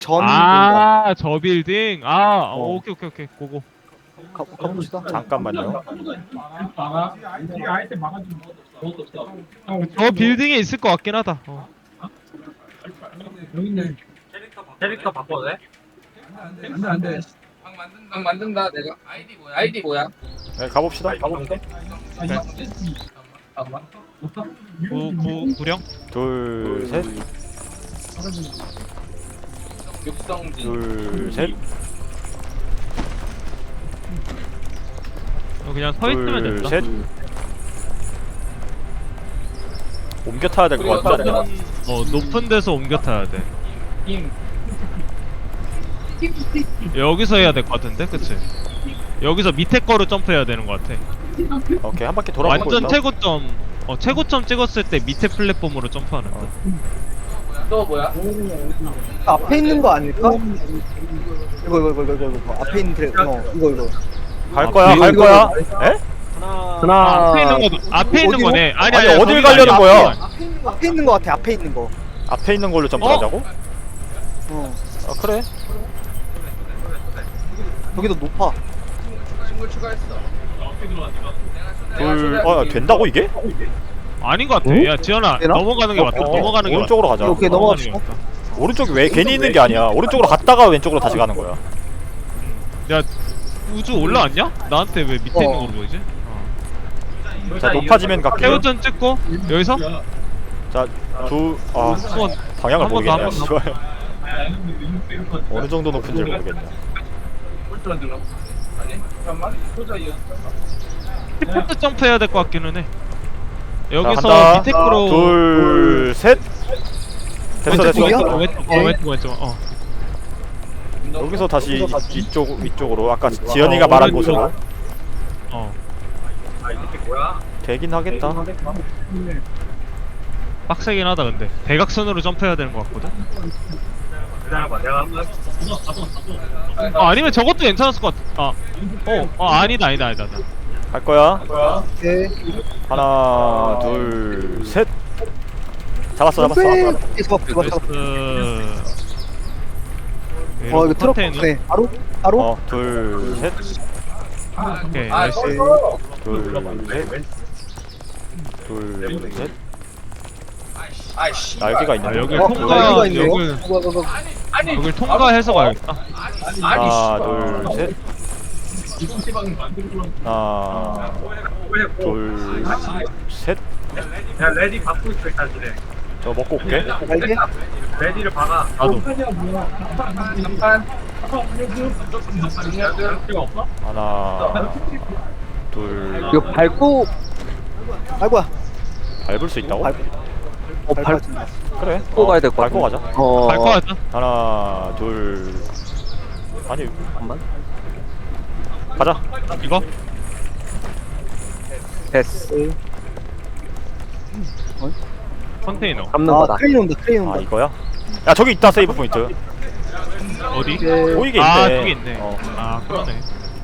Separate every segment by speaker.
Speaker 1: 전
Speaker 2: 아, 저 빌딩. 아,
Speaker 1: 어.
Speaker 2: 오케이 오케이 오케이. 고고.
Speaker 1: 가봅시다.
Speaker 3: 잠깐만요.
Speaker 2: 저 빌딩에 있을 것 같긴 하다.
Speaker 4: 캐릭터 바꿔도 돼? 안돼. 방 만든다 내가. 아이디 뭐야?
Speaker 3: 네, 가봅시다.
Speaker 2: 구령.
Speaker 3: 둘, 셋,
Speaker 4: 육성진.
Speaker 3: 둘, 셋,
Speaker 2: 그냥 서 있으면
Speaker 3: 둘,
Speaker 2: 된다.
Speaker 3: 셋. 옮겨 타야 될 것 같은데.
Speaker 2: 높은 데서 옮겨 타야 돼.
Speaker 4: 팀.
Speaker 2: 여기서 해야 될 것 같은데, 그치? 여기서 밑에 거로 점프해야 되는 것 같아.
Speaker 3: 오케이, 한 바퀴 돌아보고
Speaker 2: 완전
Speaker 3: 있다.
Speaker 2: 최고점 찍었을 때 밑에 플랫폼으로 점프하는 거.
Speaker 4: 또 뭐야?
Speaker 1: 앞에 있는 거 아닐까? 이거 앞에 있는 그래. 이거.
Speaker 3: 갈 거야, 갈
Speaker 1: 이거-
Speaker 3: 거야. 에?
Speaker 2: 앞에 있는
Speaker 1: 어디로?
Speaker 2: 거네.
Speaker 3: 아니,
Speaker 2: 아니,
Speaker 3: 어딜
Speaker 2: 거기가
Speaker 3: 가려는
Speaker 2: 아니야.
Speaker 3: 거야?
Speaker 1: 앞에 있는 거 같아. 앞에 있는 거.
Speaker 3: 앞에 있는 걸로 점프하자고?
Speaker 1: 어.
Speaker 3: 아, 그래.
Speaker 1: 여기도 높아.
Speaker 4: 친구 추가했어.
Speaker 3: 된다고 이게?
Speaker 2: 아닌 것 같아. 야, 지현아,
Speaker 1: 되나?
Speaker 2: 넘어가는 게 맞다. 넘어가는 게 맞다.
Speaker 3: 오른쪽으로 가자.
Speaker 1: 오케이,
Speaker 2: 넘어가는 게
Speaker 1: 넘어갑시다.
Speaker 2: 맞다.
Speaker 3: 오른쪽이 왜 괜히 있는 게 아니야. 오른쪽으로 갔다가 왼쪽으로 다시 가는 거야.
Speaker 2: 야, 우주 올라왔냐? 나한테 왜 밑에 있는 걸로 보이지?
Speaker 3: 자, 높아지면 갈게요.
Speaker 2: 태우전 찍고 여기서
Speaker 3: 자,
Speaker 2: 한번
Speaker 3: 방향을
Speaker 2: 한 번 더,
Speaker 3: 모르겠네.
Speaker 2: 한 번 더.
Speaker 3: 씨발. 어느 정도 높은지 모르겠네.
Speaker 4: 홀트만 들어. 아니 잠깐만. 소자 이어.
Speaker 2: 스포트 점프해야 될 것 같기는 해.
Speaker 3: 자,
Speaker 2: 여기서
Speaker 3: 간다.
Speaker 2: 밑에 거로
Speaker 3: 둘, 셋. 됐어,
Speaker 2: 왼쪽
Speaker 3: 됐어.
Speaker 2: 왼쪽.
Speaker 3: 여기서 다시 위쪽으로 아까 지연이가 말한
Speaker 2: 오른쪽.
Speaker 3: 곳으로
Speaker 4: 아 이게 뭐야?
Speaker 3: 되긴 하겠다.
Speaker 2: 빡세긴 하다 근데 대각선으로 점프해야 되는 것 같거든.
Speaker 4: 기다려봐. 내가 한번.
Speaker 2: 아니면 저것도 괜찮았을 것 같아. 아니다.
Speaker 3: 갈 거야.
Speaker 1: 오케이.
Speaker 3: 하나, 둘, 셋. 잡았어.
Speaker 1: 이거 이거 트럭 네. 바로.
Speaker 3: 둘, 셋.
Speaker 2: 오케이
Speaker 4: 아
Speaker 2: 나이스.
Speaker 3: 둘, 셋. 둘, 셋.
Speaker 4: 아이씨.
Speaker 3: 날개가 있는데.
Speaker 2: 여기
Speaker 1: 여기가
Speaker 2: 통과
Speaker 1: 있네요.
Speaker 4: 아니
Speaker 2: 여길 통과해서 가야겠다.
Speaker 3: 하나,
Speaker 4: 아니
Speaker 3: 둘, 셋. 하나, 둘, 셋.
Speaker 4: 야 레디 받고 있어 일단 그래.
Speaker 3: 저 먹고 올게.
Speaker 1: 날개?
Speaker 4: 레디를 박아.
Speaker 2: 나도.
Speaker 4: 잠깐.
Speaker 3: 하나, 둘.
Speaker 1: 이거 밟고 밟고야.
Speaker 3: 밟을 수 있다고?
Speaker 1: 밟고
Speaker 3: 그래.
Speaker 5: 가야 될것
Speaker 3: 밟고 가자.
Speaker 2: 갈 거 같아.
Speaker 3: 하나, 둘. 아니,
Speaker 5: 잠깐만.
Speaker 3: 가자.
Speaker 2: 이거?
Speaker 5: 됐어.
Speaker 2: 컨테이너
Speaker 5: 잡는 거다.
Speaker 1: 크레인 온다.
Speaker 3: 아, 이거야? 야, 저기 있다, 세이브 포인트.
Speaker 2: 어디?
Speaker 3: 보이게
Speaker 2: 아
Speaker 3: 있네.
Speaker 2: 저기 있네. 아 그러네.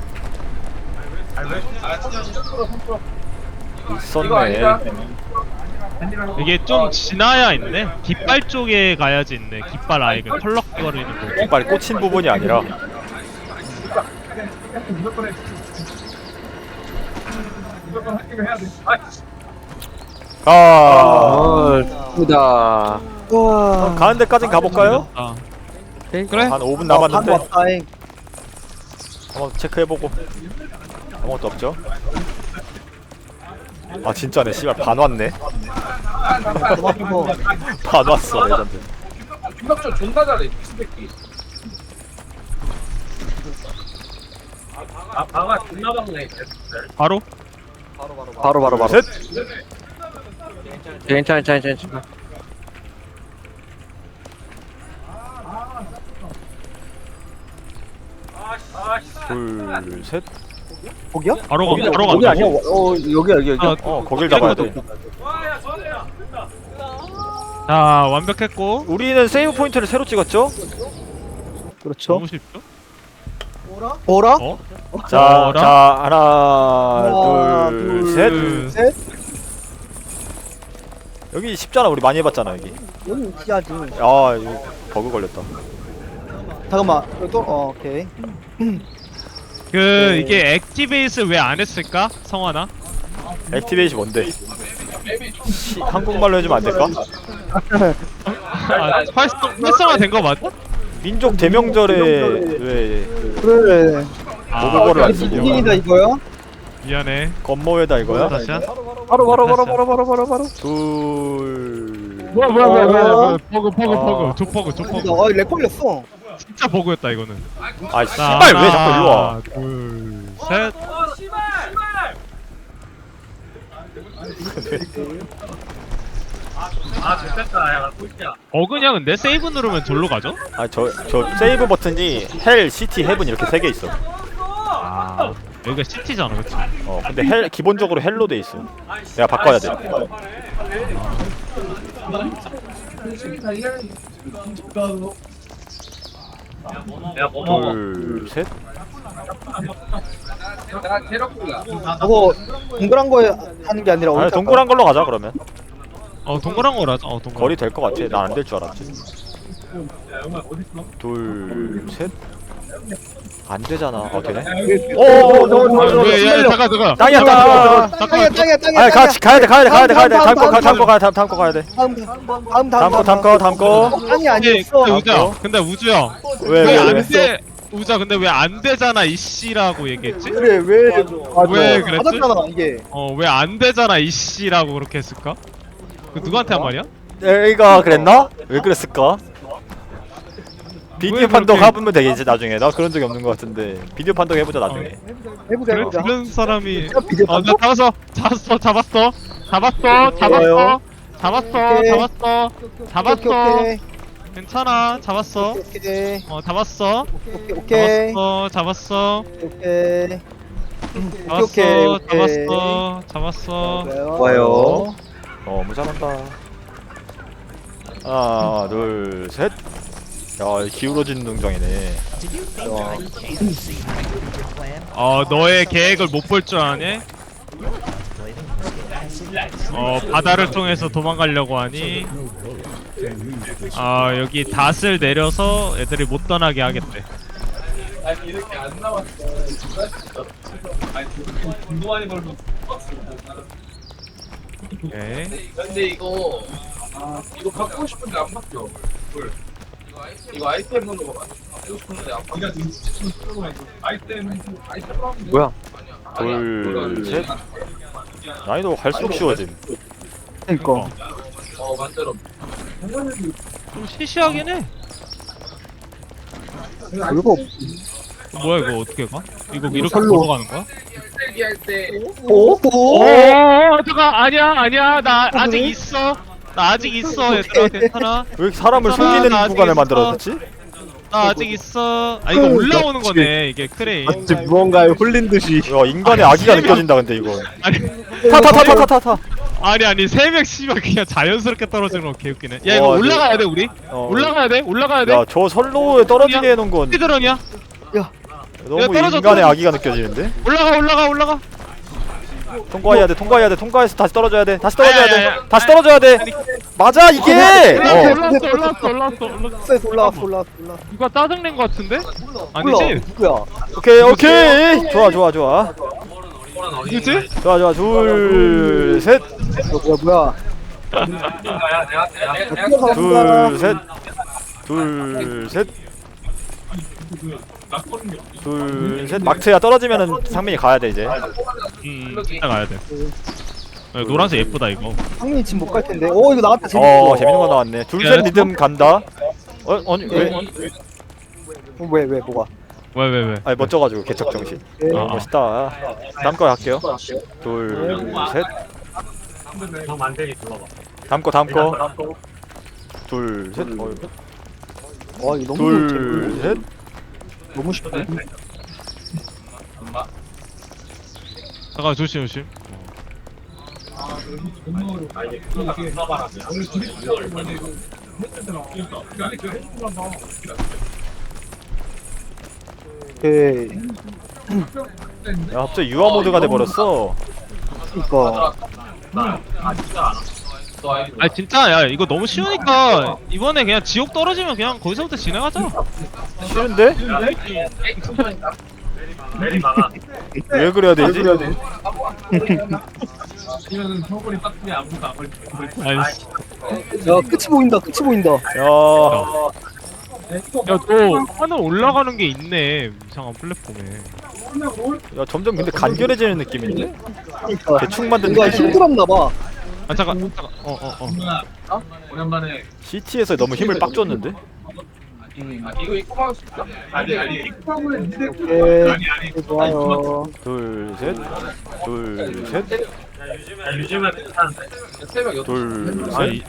Speaker 3: 있었네.
Speaker 2: 이게 좀 지나야 있네. 깃발 쪽에 가야지 있네. 깃발 아예 그 펄럭거리는 거.
Speaker 3: 빨리 꽂힌 부분이 아니라.
Speaker 5: 예쁘다.
Speaker 1: 와.
Speaker 3: 가는 데까진 가볼까요?
Speaker 2: 아
Speaker 5: 오케이.
Speaker 2: 그래?
Speaker 3: 한 5분 남았는데
Speaker 1: 왔다잉.
Speaker 3: 한번 체크해보고. 아무것도 없죠? 아, 진짜네. 씨발, 반 왔네. 반 왔어, 레전드.
Speaker 4: 김박준 존나 잘해 미친새끼. 아 방아 존나 박네.
Speaker 2: 바로?
Speaker 5: 바로.
Speaker 3: 셋!
Speaker 5: 괜찮아.
Speaker 3: 둘, 셋.
Speaker 1: 거기야?
Speaker 2: 바로
Speaker 1: 거기
Speaker 2: 간다.
Speaker 1: 아니야? 여기.
Speaker 2: 아,
Speaker 3: 거길 잡아야 돼.
Speaker 2: 자 완벽했고.
Speaker 3: 우리는 세이브 포인트를 새로 찍었죠?
Speaker 1: 그렇죠.
Speaker 2: 너무 쉽죠?
Speaker 1: 오라?
Speaker 2: 어?
Speaker 3: 자,
Speaker 2: 어라?
Speaker 3: 자, 하나, 둘, 셋.
Speaker 1: 셋.
Speaker 3: 여기 쉽잖아. 우리 많이 해봤잖아, 여기.
Speaker 1: 여기 희하지.
Speaker 3: 아, 이거 버그 걸렸다.
Speaker 1: 잠깐만. 이거 또 오케이.
Speaker 2: 그 이게 액티베이스 왜 안 했을까? 성환아?
Speaker 3: 액티베이시 뭔데? 한국말로 해주면 안 될까?
Speaker 2: 아, 활성화 된 거 맞아?
Speaker 3: 민족 대명절에 왜
Speaker 1: 그래.
Speaker 3: 모국어를 안 쓰냐?
Speaker 1: 이긴이다 이거야?
Speaker 2: 미안해.
Speaker 3: 건모에다 이거야?
Speaker 2: 다시야?
Speaker 1: 바로.
Speaker 3: 둘.
Speaker 1: 뭐야.
Speaker 2: 버그 조퍼그
Speaker 1: 렉 걸렸어.
Speaker 2: 진짜 버그였다 이거는.
Speaker 3: 아 씨발 왜 자꾸 일로 와?
Speaker 2: 둘셋
Speaker 4: 아 됐다 야 꼴찌야.
Speaker 2: 버그냐 근데? 세이브 누르면 절로 가죠?
Speaker 3: 아저 세이브 버튼이 헬, 시티, 헤븐 이렇게 3개 있어.
Speaker 2: 아 여기가 시티잖아 그치?
Speaker 3: 근데 헬 기본적으로 헬로 돼 있어. 내가 바꿔야 돼.
Speaker 4: 야뭐 먹어?
Speaker 3: 둘, 셋.
Speaker 4: 내가 캐럿구야.
Speaker 1: 저거 동그란 거에 하는 게 아니라
Speaker 3: 아니
Speaker 1: 어디
Speaker 3: 동그란 걸로 가자 그러면.
Speaker 2: 동그란 거라자. 동그란
Speaker 3: 거리 될 것 같아. 난 안 될 줄 알았지. 둘, 셋. 안 되잖아. 되네.
Speaker 2: 왜 잠깐
Speaker 3: 땅이야 땅.
Speaker 1: 땅이야.
Speaker 3: 아니 같이 가야 돼. 다음 거 가야 돼. 다음 거.
Speaker 1: 땅이 아니었어.
Speaker 2: 근데 우주 형
Speaker 3: 왜?
Speaker 2: 안돼 우자 근데 왜 안 되잖아 이씨라고 얘기했지?
Speaker 1: 그래 왜
Speaker 2: 그랬지?
Speaker 1: 맞았잖아 이게.
Speaker 2: 왜 안 되잖아 이씨라고 그렇게 했을까? 그 누구한테 한 말이야?
Speaker 3: 내가 그랬나? 왜 그랬을까? 비디오 판독 해보면 되겠지 나중에. 나 그런 적이 없는 것 같은데 비디오 판독 해보자 나중에.
Speaker 1: 해보자.
Speaker 2: 그래? 그런 사람이
Speaker 1: 비디오
Speaker 2: 나 잡았어
Speaker 1: 오케이.
Speaker 2: 괜찮아 잡았어
Speaker 1: 오케이.
Speaker 2: 잡았어
Speaker 1: 오케이.
Speaker 2: 잡았어
Speaker 1: 좋아요.
Speaker 3: 너무 잘한다. 하나 둘 셋. 야 기울어지는 능정이네.
Speaker 2: 너의 계획을 못 볼 줄 아네? 바다를 통해서 도망가려고 하니? 여기 닷을 내려서 애들이 못 떠나게 하겠대.
Speaker 4: 아니 이렇게 안 나왔어. 아니 돈도 많이 벌고.
Speaker 2: 오케이.
Speaker 4: 근데 이거 갖고 싶은데 안 바뀌어. 이거 아이템으로 갖고 싶은데 안 바뀌어. 아이템
Speaker 5: 뭐야?
Speaker 3: 둘 셋. 난이도 갈수록 쉬워짐.
Speaker 1: 그니까.
Speaker 4: 만들어.
Speaker 2: 좀 시시하긴 해.
Speaker 1: 이거
Speaker 2: 뭐야 이거 어떻게 가? 이거 이렇게
Speaker 1: 설로.
Speaker 2: 걸어가는 거야?
Speaker 4: 쓰레기 할 때.
Speaker 1: 오.
Speaker 2: 잠깐 아니야 나 아직 있어. 나 아직 있어 얘들아 괜찮아.
Speaker 3: 왜 이렇게 사람을
Speaker 2: 괜찮아,
Speaker 3: 속이는
Speaker 2: 나 아직
Speaker 3: 구간을
Speaker 2: 있어.
Speaker 3: 만들어졌지?
Speaker 2: 나 아직 있어. 이거 올라오는 거네 이게 크레인.
Speaker 1: 마치 무언가에 홀린 듯이.
Speaker 3: 야 인간의 아기가 느껴진다 근데 이거.
Speaker 2: 아니
Speaker 3: 타.
Speaker 2: 아니 3명 씨발 그냥 자연스럽게 떨어지는 거 개웃기네. 야 이거
Speaker 3: 와,
Speaker 2: 올라가야 돼 우리.
Speaker 3: 어.
Speaker 2: 올라가야 돼.
Speaker 3: 야저 선로에 떨어지게 해놓은 건
Speaker 2: 스피드런이야.
Speaker 3: 너무
Speaker 2: 야, 떨어져,
Speaker 3: 인간의
Speaker 2: 떨어져.
Speaker 3: 아기가 느껴지는데?
Speaker 2: 올라가.
Speaker 3: 통과해야 돼. 통과해서 다시 떨어져야 돼. 다시
Speaker 2: 야.
Speaker 3: 떨어져야 돼. 맞아 이게.
Speaker 2: 올라왔어.
Speaker 1: 올라왔어.
Speaker 2: 누가 짜증낸 거 같은데?
Speaker 1: 몰라.
Speaker 2: 아니지?
Speaker 1: 누구야?
Speaker 3: 오케이. 좋아.
Speaker 2: 누구지?
Speaker 3: 좋아. 둘 셋.
Speaker 1: 뭐야?
Speaker 3: 둘 셋. 마크야 떨어지면은 상민이 가야 돼 이제.
Speaker 2: 진짜 가야 돼. 노란색 예쁘다 이거.
Speaker 1: 상민이 지금 못 갈 텐데. 오 이거 나왔다. 재밌어.
Speaker 3: 재밌는 거 나왔네. 둘 셋 리듬 간다. 아니 왜?
Speaker 1: 왜 뭐가?
Speaker 2: 왜?
Speaker 3: 아니 멋져가지고 개척 정신. 멋있다. 다음 거 할게요. 둘 셋. 다음 거. 둘 셋.
Speaker 1: 와 이거
Speaker 3: 둘 셋.
Speaker 1: 너무 쉽네.
Speaker 2: 잠깐 조심.
Speaker 1: 오케이.
Speaker 3: 야 갑자기 유아 모드가 돼 버렸어.
Speaker 1: 이거.
Speaker 2: 아 진짜 야 이거 너무 쉬우니까 이번에 그냥 지옥 떨어지면 그냥 거기서부터 진행하자.
Speaker 3: 싫은데? 왜 그래야 되지?
Speaker 4: 이거는 서울이 빡치게 아무도 안 걸리고.
Speaker 2: 아이씨.
Speaker 1: 야 끝이 보인다 끝이 보인다.
Speaker 3: 야
Speaker 2: 야너 하늘 올라가는 게 있네 이상한 플랫폼에.
Speaker 3: 야 점점 근데 간결해지는 느낌인데?
Speaker 1: 그러니까
Speaker 3: 대충 만든
Speaker 1: 뭔가
Speaker 3: 느낌.
Speaker 1: 힘들었나봐.
Speaker 2: 아 잠깐
Speaker 4: 오랜만에
Speaker 3: CT에서 너무 힘을 빡 줬는데?
Speaker 4: 이거 입고 막을 수 있어? 아니
Speaker 1: 오케이 좋아요.
Speaker 3: 둘셋 둘셋
Speaker 4: 요즘은 괜찮은데 새벽 8시
Speaker 3: 둘셋
Speaker 2: 아니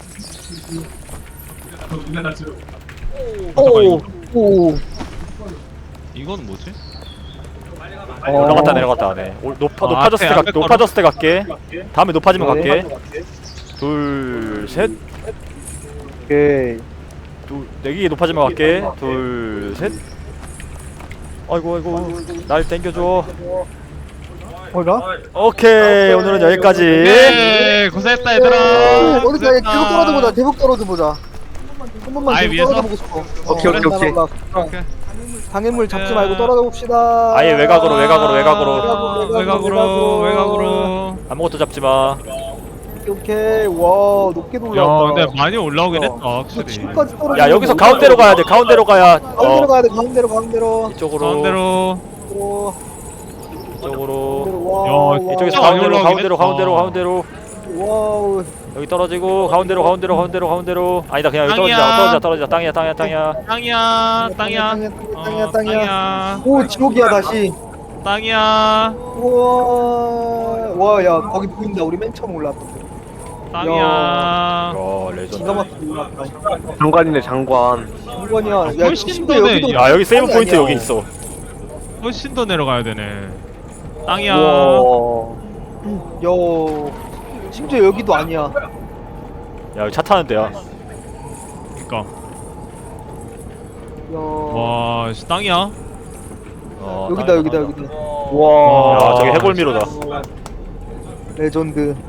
Speaker 1: 오.
Speaker 2: 이건 뭐지?
Speaker 3: 올라갔다 내려갔다 하네. 높아졌을 때
Speaker 2: 앞에
Speaker 3: 높아졌을 때 갈게. 다음에 높아지면
Speaker 1: 네.
Speaker 3: 갈게. 둘셋
Speaker 1: 오케이.
Speaker 3: 내기 높아지면 갈게. 둘셋 아이고 날 땡겨줘.
Speaker 1: 뭐가?
Speaker 3: 오케이 오늘은 여기까지.
Speaker 2: 네 고생했다 얘들아.
Speaker 1: 어디서 계속 떨어져 보자. 계속 떨어져 보자. 한 번만
Speaker 2: 아예
Speaker 1: 계속
Speaker 2: 위에서?
Speaker 1: 떨어져 보고 싶어.
Speaker 5: 오케이, 오케이, 오케이.
Speaker 2: 오케이.
Speaker 1: 방해물 잡지 말고 떨어져 봅시다.
Speaker 3: 아예 외곽으로
Speaker 2: 외곽으로.
Speaker 3: 아무것도 잡지 마.
Speaker 1: 오케이. 와 높게
Speaker 2: 야
Speaker 1: 올라왔다.
Speaker 2: 근데 많이 올라오긴 했다
Speaker 1: 이거
Speaker 2: 확실히.
Speaker 1: 지금까지 떨어져.
Speaker 3: 야 여기서 가운데로 가야 돼. 가운데로 가야.
Speaker 1: 가운데로 가야 돼. 가운데로.
Speaker 3: 이쪽으로.
Speaker 2: 가운데로.
Speaker 3: 이쪽으로.
Speaker 2: 야,
Speaker 1: 와.
Speaker 3: 이쪽에서
Speaker 2: 많이
Speaker 3: 가운데로
Speaker 2: 올라오긴
Speaker 3: 가운데로.
Speaker 1: 와우.
Speaker 3: 여기 떨어지고 가운데로. 아니다 그냥 여기
Speaker 2: 땅이야.
Speaker 3: 떨어지자. 땅이야.
Speaker 2: 땅이야.
Speaker 1: 땅이야. 오 지옥이야 다시.
Speaker 2: 땅이야.
Speaker 1: 우와. 와, 야 거기 보인다. 우리 맨 처음 올라왔던 데.
Speaker 2: 땅이야.
Speaker 3: 야
Speaker 1: 기가
Speaker 3: 레전드.
Speaker 1: 막히게 올라왔다.
Speaker 5: 장관이네 장관.
Speaker 1: 장관이야. 야
Speaker 2: 훨씬
Speaker 1: 심지어
Speaker 2: 더네.
Speaker 1: 여기도
Speaker 3: 야 여기 세이브
Speaker 1: 땅이
Speaker 3: 포인트
Speaker 1: 아니야.
Speaker 3: 여기 있어.
Speaker 2: 훨씬 더 내려가야 되네. 땅이야.
Speaker 1: 우와. 야. 심지어 여기도 아니야.
Speaker 3: 야 여기 차 타는 데야.
Speaker 2: 그니까.
Speaker 1: 야.
Speaker 2: 와, 씨, 땅이야.
Speaker 1: 여기다.
Speaker 5: 와.
Speaker 3: 야 저기 해골미로다.
Speaker 1: 레전드.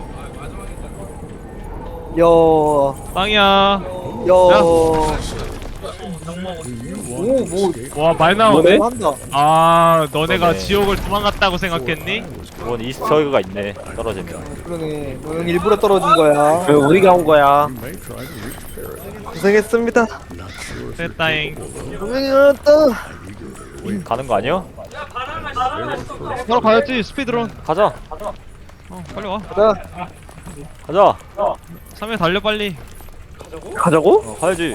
Speaker 1: 야.
Speaker 2: 땅이야. 와, 많이 나오네.
Speaker 1: 한다.
Speaker 2: 아, 너네가
Speaker 3: 그러네.
Speaker 2: 지옥을 도망갔다고 생각했니?
Speaker 3: 이건 이스터에그가 있네. 떨어지면.
Speaker 1: 그러네. 너는 일부러 떨어진 거야.
Speaker 5: 왜 우리가 온 거야?
Speaker 1: 고생했습니다.
Speaker 2: 됐다잉.
Speaker 1: 고생했다.
Speaker 3: 가는 거 아니야?
Speaker 2: 바로 가야지, 스피드런.
Speaker 3: 가자.
Speaker 2: 빨리 와.
Speaker 1: 자,
Speaker 2: 3회 달려, 빨리.
Speaker 5: 가자고?
Speaker 3: 가야지.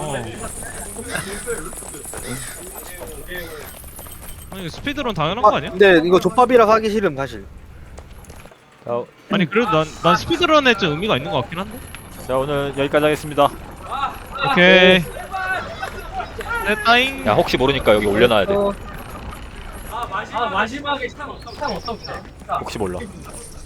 Speaker 2: 아니, 스피드런 당연한 거 아니야?
Speaker 1: 근데 이거 족밥이라 하기 싫음 사실.
Speaker 3: 자,
Speaker 2: 아니, 그래도 난 스피드런에 좀 의미가 있는 것 같긴 한데?
Speaker 3: 자 오늘 여기까지 하겠습니다.
Speaker 2: 오케이. 됐다잉.
Speaker 3: 야 혹시 모르니까 여기 올려놔야 돼.
Speaker 4: 마지막에 상 없어.
Speaker 3: 혹시 몰라.